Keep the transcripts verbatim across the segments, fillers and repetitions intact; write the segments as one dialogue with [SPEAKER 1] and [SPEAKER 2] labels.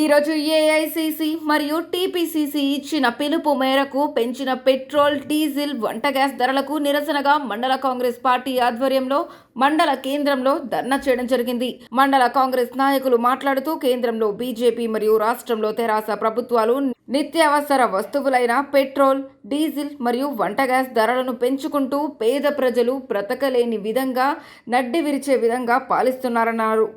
[SPEAKER 1] ఈరోజు ఏఐసిసి మరియు టీపీసీసీ ఇచ్చిన పిలుపు మేరకు పెంచిన పెట్రోల్, డీజిల్, వంట గ్యాస్ ధరలకు నిరసనగా మండల కాంగ్రెస్ పార్టీ ఆధ్వర్యంలో మండల కేంద్రంలో ధర్నా చేయడం జరిగింది. మండల కాంగ్రెస్ నాయకులు మాట్లాడుతూ కేంద్రంలో బీజేపీ మరియు రాష్ట్రంలో తెరాస ప్రభుత్వాలు నిత్యావసర వస్తువులైన పెట్రోల్, డీజిల్ మరియు వంట గ్యాస్ ధరలను పెంచుకుంటూ పేద ప్రజలు బ్రతకలేని విధంగా నడ్డి విరిచే విధంగా పాలిస్తున్నారన్నారు.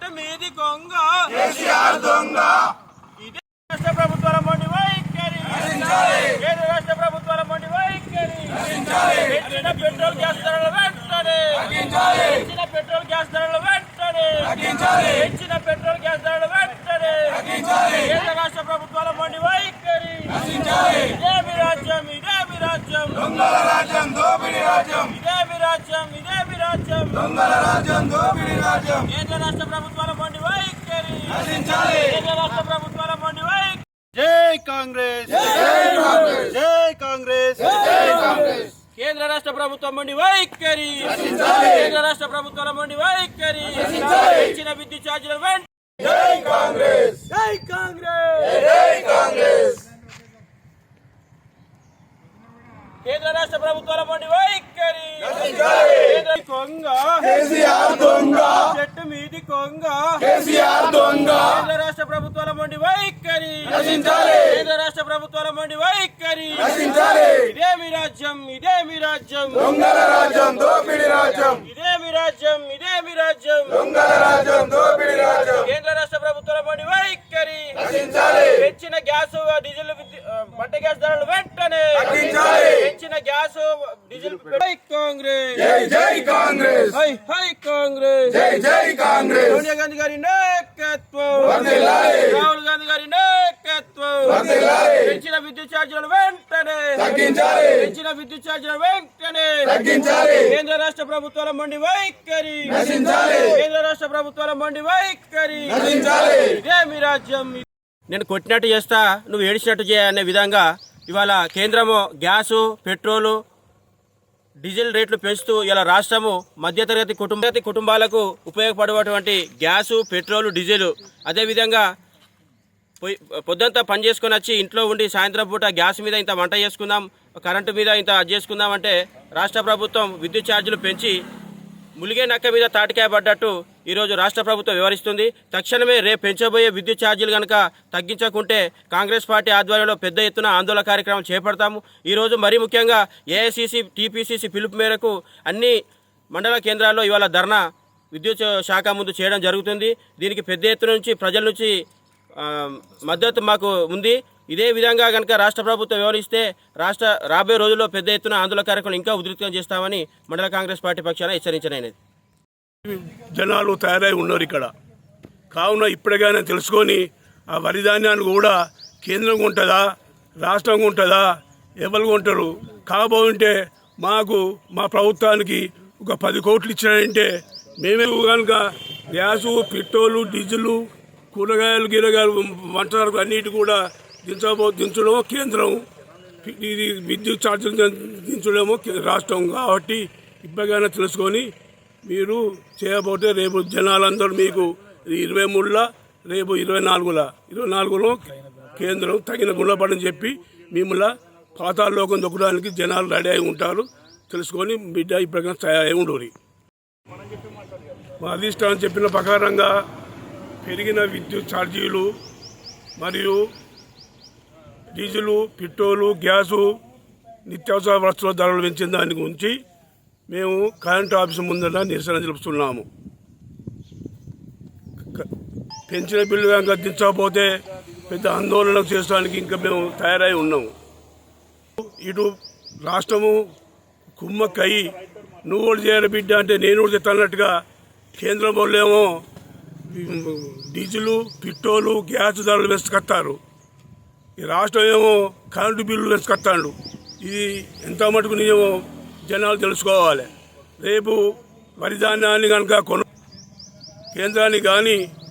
[SPEAKER 2] ఇదే రాష్ట్ర ప్రభుత్వాల మొండి వైఖరి, కేంద్ర రాష్ట్ర ప్రభుత్వాల మొండి వైఖరి. పెంచిన పెట్రోల్ గ్యాస్ ధరల వెంటనే పెంచిన పెట్రోల్ గ్యాస్ ధరల వెంటనే పెంచిన పెట్రోల్ గ్యాస్ ధరల వెంటనే కేంద్ర రాష్ట్ర ప్రభుత్వాల మొండి వైఖరి. ఇదేమి రాజ్యం, ఇదేమి రాజ్యం,
[SPEAKER 3] దొంగల రాజ్యం, దోపిడీ రాజ్యం,
[SPEAKER 2] ఇదేమి రాజ్యం, ఇదేమి రాజ్యం,
[SPEAKER 3] దొంగల రాజ్యం, దోపిడీ రాజ్యం.
[SPEAKER 2] కేంద్ర రాష్ట్ర ప్రభుత్వాల మొండి వైఖరి,
[SPEAKER 3] నశించాలి.
[SPEAKER 2] కేంద్ర రాష్ట్ర ప్రభుత్వాల మొండి వైఖరి. జై కాంగ్రెస్,
[SPEAKER 3] జై కాంగ్రెస్,
[SPEAKER 2] జై కాంగ్రెస్,
[SPEAKER 3] జై కాంగ్రెస్.
[SPEAKER 2] కేంద్ర రాష్ట్ర ప్రభుత్వం మొండి వైఖరి, కేంద్ర రాష్ట్ర ప్రభుత్వాల మొండి వైఖరి. పెంచిన విద్యుత్ ఛార్జీల వెంట
[SPEAKER 3] జై కాంగ్రెస్,
[SPEAKER 2] జై కాంగ్రెస్,
[SPEAKER 3] జై కాంగ్రెస్.
[SPEAKER 2] కేంద్ర రాష్ట్ర ప్రభుత్వాల మొండి వైఖరి. కేంద్ర కొంగ
[SPEAKER 3] కేసీఆర్ దొంగ,
[SPEAKER 2] చెట్టు మీది కొంగ,
[SPEAKER 3] కేసీఆర్ దొంగ.
[SPEAKER 2] కేంద్ర రాష్ట్ర ప్రభుత్వాల మొండి వైఖరి,
[SPEAKER 3] నశించాలి.
[SPEAKER 2] కేంద్ర రాష్ట్ర ప్రభుత్వాల మొండి వైఖరి.
[SPEAKER 3] నశించాలి.
[SPEAKER 2] ఇదేమి రాజ్యం, ఇదేమి రాజ్యం,
[SPEAKER 3] దొంగల రాజ్యం, దోపిడీ రాజ్యం,
[SPEAKER 2] ఇదేమి రాజ్యం, ఇదేమి రాజ్యం,
[SPEAKER 3] దొంగల రాజ్యం, దోపిడీ రాజ్యం.
[SPEAKER 2] కేంద్ర రాష్ట్ర ప్రభుత్వాల మొండి వైఖరి.
[SPEAKER 3] నశించాలి.
[SPEAKER 2] పెంచిన గ్యాస్, డీజిల్, వంట గ్యాస్ ధరలు వెంటనే
[SPEAKER 3] తగ్గించాలి.
[SPEAKER 2] పెంచిన గ్యాస్, డీజిల్. హై కాంగ్రెస్,
[SPEAKER 3] జై జై కాంగ్రెస్,
[SPEAKER 2] హై హై కాంగ్రెస్,
[SPEAKER 3] జై జై కాంగ్రెస్.
[SPEAKER 2] సోనియా గాంధీ గారి నాయకత్వం,
[SPEAKER 3] వర్ధిల్లాలి.
[SPEAKER 2] రాహుల్ గాంధీ గారి నాయకత్వం.
[SPEAKER 3] వర్ధిల్లాలి.
[SPEAKER 2] పెంచిన విద్యుత్ ఛార్జీలను వెంటనే
[SPEAKER 3] తగ్గించాలి.
[SPEAKER 2] పెంచిన విద్యుత్ ఛార్జీలను వెంటనే
[SPEAKER 3] తగ్గించాలి.
[SPEAKER 2] కేంద్ర రాష్ట్ర ప్రభుత్వాల మొండి వైఖరి,
[SPEAKER 3] నశించాలి.
[SPEAKER 2] కేంద్ర రాష్ట్ర ప్రభుత్వాల మొండి వైఖరి.
[SPEAKER 3] నశించాలి.
[SPEAKER 2] ఇదేమి రాజ్యం. నేను కొట్టినట్టు చేస్తా, నువ్వు ఏడిచినట్టు చేయ అనే విధంగా ఇవాళ కేంద్రము గ్యాసు, పెట్రోలు, డీజిల్ రేట్లు పెంచుతూ ఇలా రాష్ట్రము మధ్యతరగతి కుటుంబ కుటుంబాలకు ఉపయోగపడేటువంటి గ్యాసు, పెట్రోలు, డీజిల్ అదేవిధంగా పొయ్యి పొద్దుంతా పని చేసుకొని వచ్చి ఇంట్లో ఉండి సాయంత్రం పూట గ్యాస్ మీద ఇంత వంట చేసుకుందాం, కరెంటు మీద ఇంత అది చేసుకుందాం అంటే రాష్ట్ర ప్రభుత్వం విద్యుత్ ఛార్జీలు పెంచి ములిగే నక్క మీద తాటికాయ పడ్డట్టు ఈరోజు రాష్ట్ర ప్రభుత్వం వివరిస్తుంది. తక్షణమే రేపు పెంచబోయే విద్యుత్ ఛార్జీలు కనుక తగ్గించకుంటే కాంగ్రెస్ పార్టీ ఆధ్వర్యంలో పెద్ద ఎత్తున ఆందోళన కార్యక్రమం చేపడతాము. ఈరోజు మరీ ముఖ్యంగా ఏఐసిసి, టీపీసీసీ పిలుపు మేరకు అన్ని మండల కేంద్రాల్లో ఇవాళ ధర్నా విద్యుత్ శాఖ ముందు చేయడం జరుగుతుంది. దీనికి పెద్ద ఎత్తున నుంచి ప్రజల నుంచి మద్దతు మాకు ఉంది. ఇదే విధంగా కనుక రాష్ట్ర ప్రభుత్వం వివరిస్తే రాష్ట్ర రాబోయే రోజుల్లో పెద్ద ఎత్తున ఆందోళన కార్యక్రమం ఇంకా ఉధృతం చేస్తామని మండల కాంగ్రెస్ పార్టీ పక్షాన హెచ్చరించనైనది.
[SPEAKER 4] జనాలు తయారై ఉన్నారు ఇక్కడ. కావున ఇప్పటికైనా తెలుసుకొని ఆ వరి ధాన్యాన్ని కూడా కేంద్రం ఉంటుందా, రాష్ట్రం ఉంటుందా, ఎవరు ఉంటారు కాబోతుంటే మాకు మా ప్రభుత్వానికి ఒక పది కోట్లు ఇచ్చినాయంటే మేమే కనుక గ్యాసు, పెట్రోలు, డీజిల్, కూరగాయలు, గీరగాయలు, వంట అన్నిటి కూడా దించబో దించడమో కేంద్రం, ఇది విద్యుత్ ఛార్జీలు దించడమో రాష్ట్రం. కాబట్టి ఇప్పటికైనా తెలుసుకొని మీరు చేయబోతే రేపు జనాలందరూ మీకు ఇరవై మూడులా రేపు ఇరవై నాలుగులా ఇరవై నాలుగులో కేంద్రం తగిన గుణపడని చెప్పి మిమ్మల్ని పాతాళలోకం దొక్కడానికి జనాలు రెడీ అయి ఉంటారు. తెలుసుకొని బిడ్డ ఇప్పటికైనా తయారై ఉండరు. మా అధిష్టానం చెప్పిన ప్రకారంగా పెరిగిన విద్యుత్ ఛార్జీలు మరియు డీజిలు, పెట్రోలు, గ్యాసు, నిత్యావసర వస్తువుల ధరలు పెంచిన దాని గురించి మేము కరెంటు ఆఫీసు ముందర నిరసన తెలుపుతున్నాము. పెంచిన బిల్లు కనుక దించకపోతే పెద్ద ఆందోళన చేయడానికి ఇంకా మేము తయారై ఉన్నాము. ఇటు రాష్ట్రము కుమ్మక్కయి నువ్వు కూడా చేయరు బిడ్డ అంటే నేను కూడా చెప్తానట్టుగా కేంద్రం వాళ్ళేమో డీజిలు, పెట్రోలు, గ్యాస్ ధరలు వేసుకొస్తారు. ఈ రాష్ట్రం ఏమో కరెంటు బిల్లు వేసుకొస్తాడు. ఇది ఎంత మటుకు నిజమో జనాలు తెలుసుకోవాలి. రేపు వరి ధాన్యాన్ని కనుక కొను కేంద్రాన్ని కానీ